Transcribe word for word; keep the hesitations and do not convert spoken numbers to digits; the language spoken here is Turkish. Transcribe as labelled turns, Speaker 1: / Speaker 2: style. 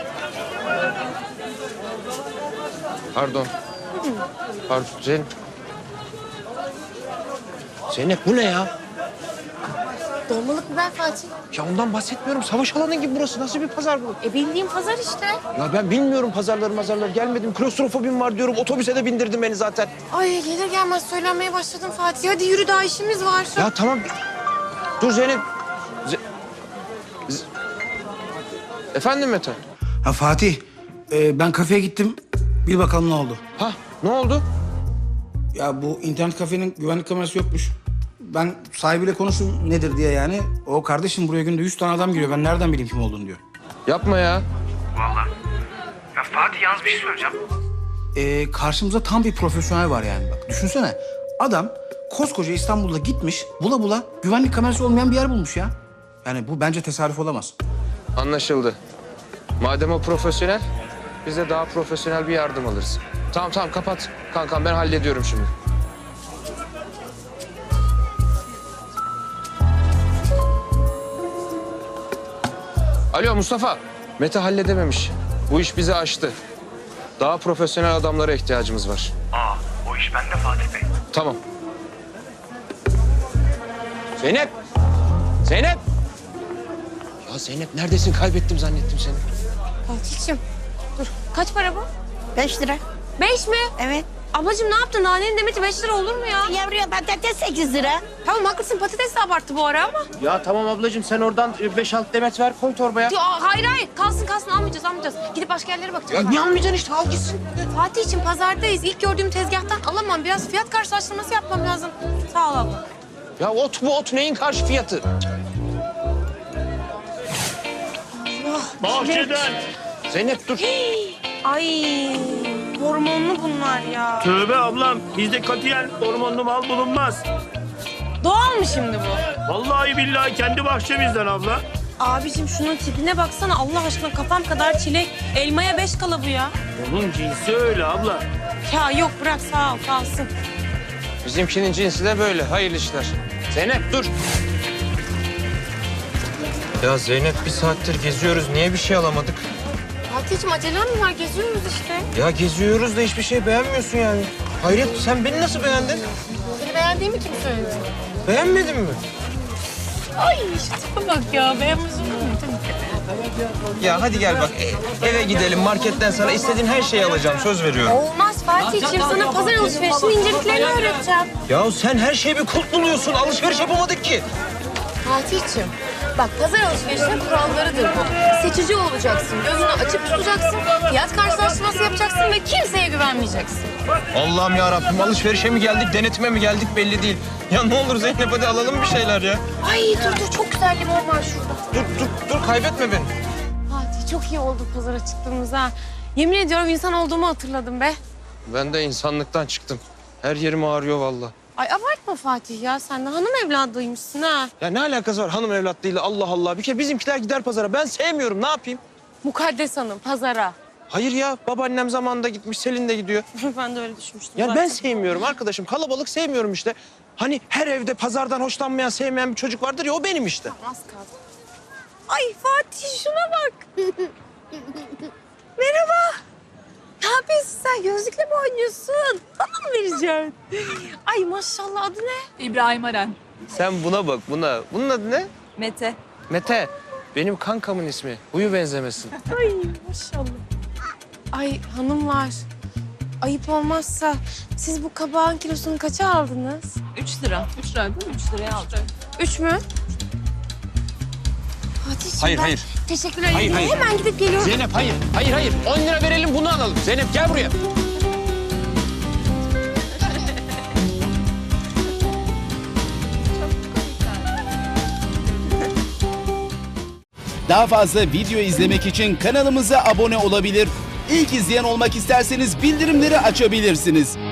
Speaker 1: Pardon. Pardon Zeynep. Zeynep bu ne ya?
Speaker 2: Dolmalık biber Fatih.
Speaker 1: Ya ondan bahsetmiyorum. Savaş alanı gibi burası. Nasıl bir pazar bu?
Speaker 2: E bildiğim pazar işte.
Speaker 1: Ya ben bilmiyorum pazarları mazarları. Gelmedim. Klostrofobim var diyorum. Otobüse de bindirdin beni zaten.
Speaker 2: Ay gelir gelmez söylenmeye başladım Fatih. Hadi yürü daha işimiz var.
Speaker 1: Ya tamam. Dur Zeynep. Ze... Z... Efendim Mete?
Speaker 3: Ha Fatih, e, ben kafeye gittim. Bir bakalım ne oldu.
Speaker 1: Ha ne oldu?
Speaker 3: Ya bu internet kafenin güvenlik kamerası yokmuş. Ben sahibiyle konuştum nedir diye yani. O kardeşim buraya günde yüz tane adam giriyor. Ben nereden bileyim kim olduğunu diyor.
Speaker 1: Yapma ya.
Speaker 3: Vallahi. Ya Fatih yalnız bir şey söyleyeceğim. Ee, karşımızda tam bir profesyonel var yani. Bak düşünsene. Adam koskoca İstanbul'da gitmiş, bula bula güvenlik kamerası olmayan bir yer bulmuş ya. Yani bu bence tesadüf olamaz.
Speaker 1: Anlaşıldı. Madem o profesyonel, biz de daha profesyonel bir yardım alırız. Tamam tamam kapat. Kankam ben hallediyorum şimdi. Alo Mustafa. Mete halledememiş. Bu iş bizi aştı. Daha profesyonel adamlara ihtiyacımız var.
Speaker 4: Aa, o iş bende Fatih Bey.
Speaker 1: Tamam. Zeynep! Zeynep! Ya Zeynep neredesin? Kaybettim zannettim seni.
Speaker 2: Fatih'ciğim dur. Kaç para bu?
Speaker 5: Beş lira.
Speaker 2: Beş mi?
Speaker 5: Evet.
Speaker 2: Ablacığım ne yaptın? Nanenin demeti beş lira olur mu ya?
Speaker 5: Yavruya patates sekiz lira.
Speaker 2: Tamam haklısın patates de abarttı bu ara ama.
Speaker 1: Ya tamam ablacığım sen oradan beş altı demet ver koy torbaya.
Speaker 2: Ya, hayır hayır kalsın kalsın almayacağız almayacağız. Gidip başka yerlere bakacağız.
Speaker 1: Ya niye almayacaksın işte al gitsin.
Speaker 2: Fatih'ciğim pazardayız. İlk gördüğüm tezgahtan alamam. Biraz fiyat karşılaştırması yapmam lazım. Sağ ol abla.
Speaker 1: Ya ot bu ot neyin karşı fiyatı?
Speaker 4: Bahçeden.
Speaker 1: Zeynep dur.
Speaker 2: Ay hormonlu bunlar ya.
Speaker 4: Tövbe ablam, bizde katiyen hormonlu mal bulunmaz.
Speaker 2: Doğal mı şimdi bu?
Speaker 4: Vallahi billahi kendi bahçemizden abla.
Speaker 2: Abicim şunun tipine baksana Allah aşkına kafam kadar çilek. Elmaya beş kala bu ya.
Speaker 4: Onun cinsi öyle abla.
Speaker 2: Ya yok bırak sağ ol kalsın.
Speaker 1: Bizimkinin cinsi de böyle. Hayırlı işler. Zeynep dur. Ya Zeynep bir saattir geziyoruz. Niye bir şey alamadık?
Speaker 2: Fatih'ciğim acelem mi var? Geziyoruz işte.
Speaker 1: Ya geziyoruz da hiçbir şey beğenmiyorsun yani. Hayret sen beni nasıl beğendin?
Speaker 2: Seni beğendiğimi kim söyledi?
Speaker 1: Beğenmedin mi?
Speaker 2: Ay şu tipe bak ya beğenmez olur mu?
Speaker 1: Ya hadi gel bak e- eve gidelim marketten sana istediğin her şeyi alacağım söz veriyorum.
Speaker 2: Olmaz Fatih'ciğim sana pazar alışverişinin inceliklerini öğreteceğim.
Speaker 1: Ya sen her şeyi bir kulp buluyorsun alışveriş yapamadık ki.
Speaker 2: Fatih'ciğim bak pazar alışverişinin kurallarıdır bu. Seçici olacaksın, gözünü açık tutacaksın, fiyat karşılaştırması yapacaksın ve kimseye güvenmeyeceksin.
Speaker 1: Allah'ım ya Rabbim alışverişe mi geldik denetime mi geldik belli değil. Ya ne olur Zeynep hadi alalım bir şeyler ya.
Speaker 2: Ay dur dur çok güzel limon var şurada.
Speaker 1: Dur dur dur kaybetme beni.
Speaker 2: Fatih çok iyi oldu pazara çıktığımız ha. Yemin ediyorum insan olduğumu hatırladım be.
Speaker 1: Ben de insanlıktan çıktım. Her yerim ağrıyor vallahi.
Speaker 2: Ay abartma Fatih ya sen de hanım evladıymışsın ha.
Speaker 1: Ya ne alakası var hanım evlatlığıyla Allah Allah. Bir kere bizimkiler gider pazara ben sevmiyorum ne yapayım?
Speaker 2: Mukaddes hanım pazara.
Speaker 1: Hayır ya babaannem zamanında gitmiş Selin de gidiyor.
Speaker 2: Ben de öyle düşünmüştüm.
Speaker 1: Yani
Speaker 2: zaten.
Speaker 1: ben sevmiyorum arkadaşım kalabalık sevmiyorum işte. Hani her evde pazardan hoşlanmayan sevmeyen bir çocuk vardır ya o benim işte.
Speaker 2: Az kaldı. Ay Fatih şuna bak. Merhaba. Ne yapıyorsun sen? Gözlükle mi oynuyorsun? Bana mı vereceksin? Ay maşallah adı ne?
Speaker 6: İbrahim Aren.
Speaker 1: Sen buna bak buna. Bunun adı ne?
Speaker 6: Mete.
Speaker 1: Mete. Benim kankamın ismi. Huyu benzemesin.
Speaker 2: Ay maşallah. Ay hanımlar. Ayıp olmazsa siz bu kabağın kilosunu kaça aldınız?
Speaker 6: Üç lira. Üç lira değil mi? Üç liraya aldım.
Speaker 2: Üç mü? Fatih'ciğim
Speaker 1: Hayır,
Speaker 2: ben
Speaker 1: hayır.
Speaker 2: teşekkür ederim.
Speaker 1: Hayır, hayır.
Speaker 2: Hemen gidip geliyorum.
Speaker 1: Zeynep hayır. Hayır hayır. On lira verelim bunu alalım. Zeynep gel buraya.
Speaker 7: Daha fazla video izlemek için kanalımıza abone olabilir. İlk izleyen olmak isterseniz bildirimleri açabilirsiniz.